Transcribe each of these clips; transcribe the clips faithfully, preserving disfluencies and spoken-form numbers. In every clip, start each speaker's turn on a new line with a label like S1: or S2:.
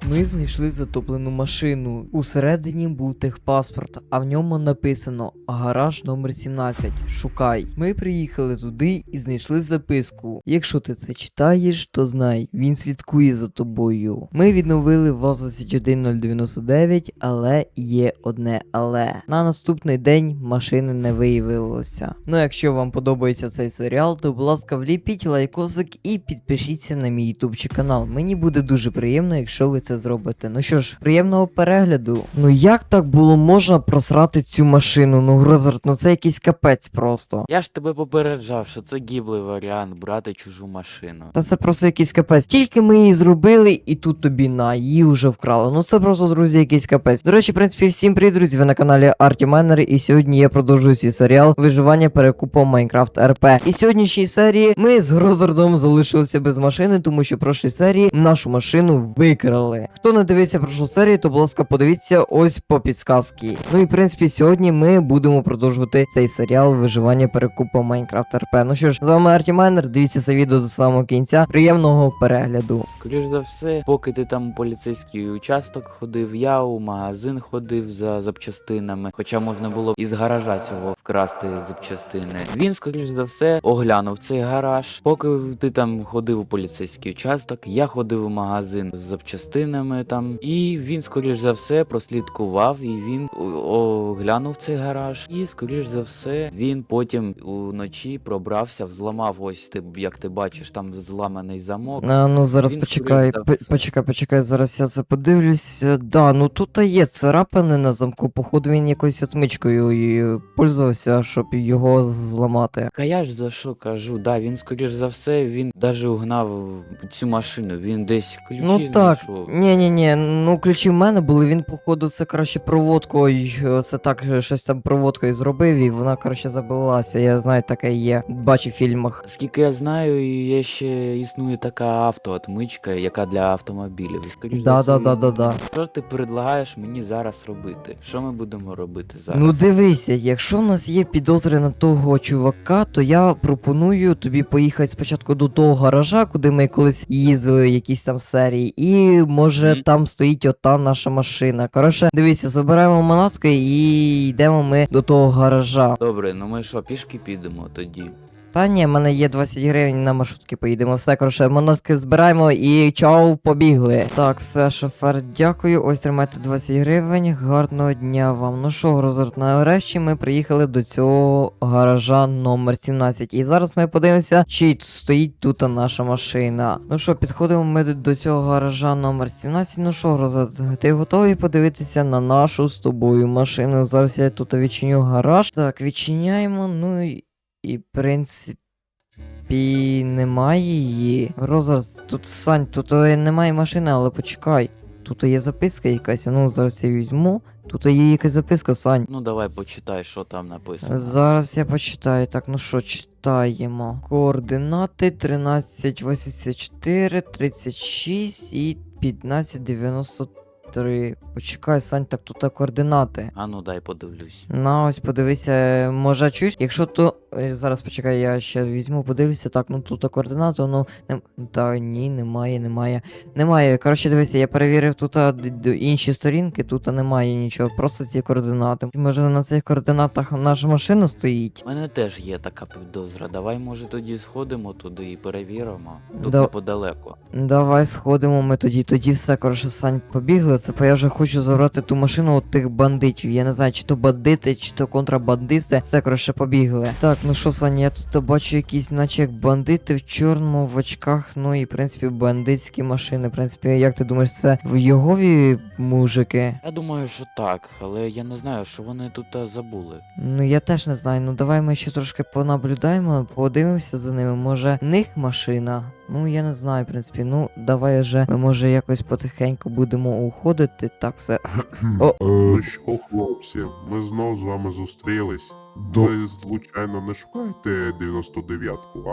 S1: Ми знайшли затоплену машину. Усередині був техпаспорт, а в ньому написано гараж номер сімнадцять. Шукай. Ми приїхали туди і знайшли записку. Якщо ти це читаєш, то знай, він слідкує за тобою. Ми відновили ВАЗ двадцять один нуль дев'яносто дев'ять, але є одне але. На наступний день машини не виявилося. Ну, якщо вам подобається цей серіал, то будь ласка, вліпіть лайкосик і підпишіться на мій ютубчик канал. Мені буде дуже приємно, якщо ви це зробите. Ну що ж, приємного перегляду. Ну як так було можна просрати цю машину? Ну, Грозард, ну це якийсь капець просто.
S2: Я ж тебе попереджав, що це гіблий варіант брати чужу машину.
S1: Та це просто якийсь капець. Тільки ми її зробили, і тут тобі на, її вже вкрали. Ну це просто, друзі, якийсь капець. До речі, в принципі, всім привіт, друзі, ви на каналі Artimanner, і сьогодні я продовжую свій серіал виживання перекупом Minecraft ар пі. І в сьогоднішній серії ми з Грозардом залишилися без машини, тому що в прошлій серії нашу машину викрали. Хто не дивився прошлу серію, то, будь ласка, подивіться ось по підсказці. Ну і в принципі, сьогодні ми будемо продовжувати цей серіал виживання перекупом Minecraft ар пі. Ну що ж, з вами Artimanner, дивіться це відео до самого кінця. Приємного перегляду.
S2: Скоріш за все, поки ти там у поліцейський участок ходив, я у магазин ходив за запчастинами, хоча можна було б із гаража цього вкрасти запчастини. Він, скоріш за все, оглянув цей гараж. Поки ти там ходив у поліцейський участок, я ходив у магазин з запчастинами там, і він, скоріш за все, прослідкував, і він оглянув цей гараж. І, скоріш за все, він потім уночі пробрався, взламав, ось ти, як ти бачиш, там зламаний замок.
S1: А, ну зараз
S2: Він,
S1: почекай,
S2: скоріш за
S1: п-
S2: все.
S1: почекай, почекай, зараз я це подивлюсь. Е, Да, ну тут є царапини на замку, походу він якоюсь отмичкою і пользувався, щоб його зламати.
S2: А я ж за що кажу, да, він, скоріш за все, він даже угнав цю машину, він десь ключі
S1: Ну так,
S2: знайшов.
S1: ні-ні-ні, ну ключі в мене були, він походу це краще проводкою, це так щось там проводкою зробив і вона коротше забилася, я знаю, таке є, бачу в фільмах.
S2: Скільки я знаю, є ще існує така автоотмичка, яка для автомобілів. І, скоріш за все,
S1: Да-да-да-да-да.
S2: що ти предлагаєш мені зараз робити? Що ми будемо робити зараз?
S1: Ну дивися, якщо в нас є підозри на того чувака, то я пропоную тобі поїхати спочатку до того гаража, куди ми колись їздили, якісь там серії, і може
S2: Мгм.
S1: там стоїть ота наша машина. Коротше, дивися, забираємо манатки і йдемо ми до того гаража.
S2: Добре, ну ми що, пішки підемо тоді?
S1: Та ні, в мене є двадцять гривень, на маршрутки поїдемо. Все, коротше, манатки збираємо і чау, побігли. Так, все, шофер, дякую. Ось тримайте двадцять гривень. Гарного дня вам. Ну що, Грозард, нарешті ми приїхали до цього гаража номер сімнадцять. І зараз ми подивимося, чи стоїть тут наша машина. Ну що, підходимо ми до цього гаража номер сімнадцять. Ну що, Грозард, ти готовий подивитися на нашу з тобою машину? Зараз я тут відчиню гараж. Так, відчиняємо, ну і. І, в принципі, немає її. Розарс, тут Сань, тут е, немає машини, але почекай. Тут є записка якась, ну зараз я візьму. Тут є якась записка, Сань.
S2: Ну давай почитай, що там написано.
S1: Зараз я почитаю. Так, ну що, читаємо. Координати тринадцять вісімдесят чотири, тридцять шість і п'ятнадцять дев'яносто три. Почекай, Сань, так тут координати.
S2: А ну дай подивлюсь.
S1: На, ось подивися, може чуєш? Якщо то. е, Зараз почекай, я ще візьму, подивлюся. Так, ну тут координату, ну. Не... Та ні, немає, немає. Немає. Коротше, дивися, я перевірив тут а, д- д- інші сторінки, тут немає нічого, просто ці координати. Може на цих координатах наша машина стоїть?
S2: У мене теж є така підозра. Давай, може, тоді сходимо туди і перевіримо. Тут
S1: Да.
S2: неподалеко.
S1: Давай сходимо ми тоді, тоді все, коротше, Сань, побігли. Це бо я вже хочу забрати ту машину от тих бандитів. Я не знаю, чи то бандити, чи то контрабандисти. Все, коротше, побігли. Так, ну що, Саня, я тут бачу якісь, наче як бандити в чорному, в очках, ну і в принципі бандитські машини. В принципі, як ти думаєш, це в Йогові мужики?
S2: Я думаю, що так, але я не знаю, що вони тут а, забули.
S1: Ну я теж не знаю. Ну давай ми ще трошки понаблюдаємо, подивимося за ними. Може, в них машина? Ну я не знаю, в принципі. Ну давай вже ми може якось потихеньку будемо уходити. Так, все. О.
S3: Ну що, хлопці, ми знов з вами зустрілись. Ви, звичайно, не шукаєте дев'яносто дев'ятку, а?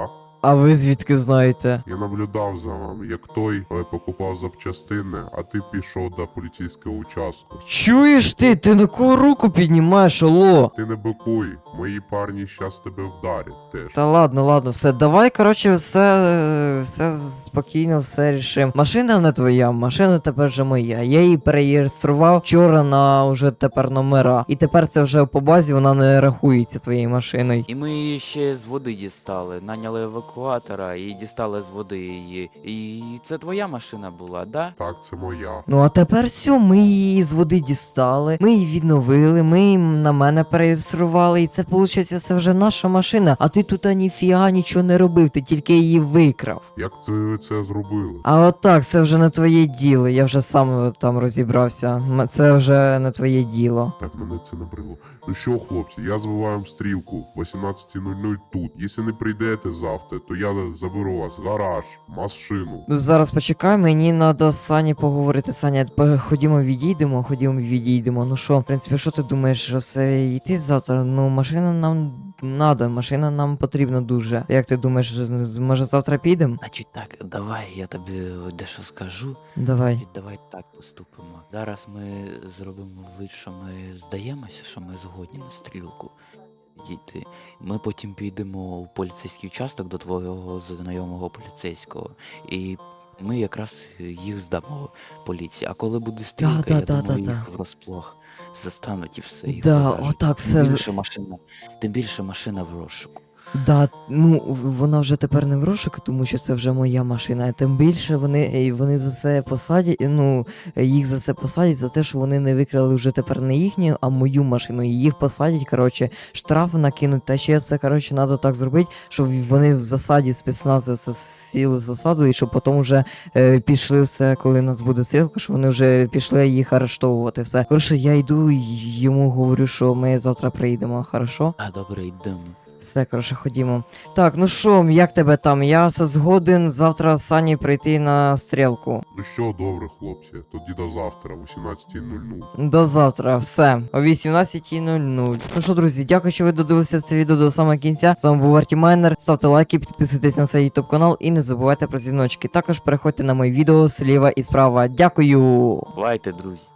S1: А ви звідки знаєте?
S3: Я наблюдав за вами, як той е, покупав запчастини, а ти пішов до поліцейського участку.
S1: Чуєш ти? Ти на кого руку піднімаєш, алло?
S3: Ти не бикуй, мої парні щас тебе вдарять теж.
S1: Та ладно, ладно, все, давай, коротше, все, е, все спокійно, все рішим. Машина не твоя, машина тепер вже моя. Я її переєстрував вчора на уже тепер номера. І тепер це вже по базі вона не рахується твоєю машиною.
S2: І ми її ще з води дістали, наняли евакуатора і дістали з води її. І це твоя машина була, да?
S3: Так, це моя.
S1: Ну а тепер все, ми її з води дістали, ми її відновили, ми її на мене переєстрували, і це виходить, це вже наша машина. А ти тут ніфіга нічого не робив, ти тільки її викрав.
S3: Як це ви це зробили?
S1: А отак, це вже не твоє діло, я вже сам там розібрався. М- Це вже не твоє діло.
S3: Так, мене це набрило. Ну що, хлопці, я збиваю вам стрілку. вісімнадцята нуль нуль тут. Якщо не прийдете завтра, то я заберу вас в гараж, машину.
S1: Ну зараз почекай, мені треба з Сані поговорити. Саня, по- ходімо відійдемо, ходімо відійдемо. Ну що, в принципі, що ти думаєш, що це йти завтра? Ну, машина нам надо, машина нам потрібна дуже. Як ти думаєш, з- може завтра підемо?
S2: Значить так, давай я тобі дещо скажу.
S1: Давай.
S2: І давай так поступимо. Зараз ми зробимо вид, що ми здаємося, що ми згодні на стрілку дійти. Ми потім підемо у поліцейський участок до твого знайомого поліцейського. І ми якраз їх здамо поліції. А коли буде стрілка,
S1: Да,
S2: я
S1: да, да,
S2: думаю,
S1: да,
S2: їх врозплох застануть і все. Їх
S1: Да,
S2: пов'яжуть.
S1: отак все.
S2: Тим більше машина, тим більше машина в розшуку.
S1: Да, ну в- вона вже тепер не в розшуку, тому що це вже моя машина. Тим більше вони, е, вони за це посадять, е, ну е, їх за це посадять за те, що вони не викрали вже тепер не їхню, а мою машину. І їх посадять, коротше, штраф накинуть. Та ще це, коротше, треба так зробити, щоб вони в засаді спецназовці сіли в засаду, і щоб потім вже е, пішли все, коли у нас буде стрілка, що вони вже пішли їх арештовувати. Все. Коротше, я йду і йому говорю, що ми завтра приїдемо, хорошо?
S2: А добре, йдемо.
S1: Все, коротше, ходімо. Так, ну що, як тебе там? Я все згоден завтра з Сані прийти на стрілку.
S3: Ну що, добре, хлопці, тоді до завтра, вісімнадцята нуль нуль.
S1: До завтра, все, о вісімнадцята нуль нуль. Ну що, друзі, дякую, що ви додивилися це відео до самого кінця. З вами був Арті Майнер. Ставте лайки, підписуйтесь на цей ютуб канал і не забувайте про дзвіночки. Також переходьте на мої відео зліва і справа. Дякую!
S2: Бувайте, друзі.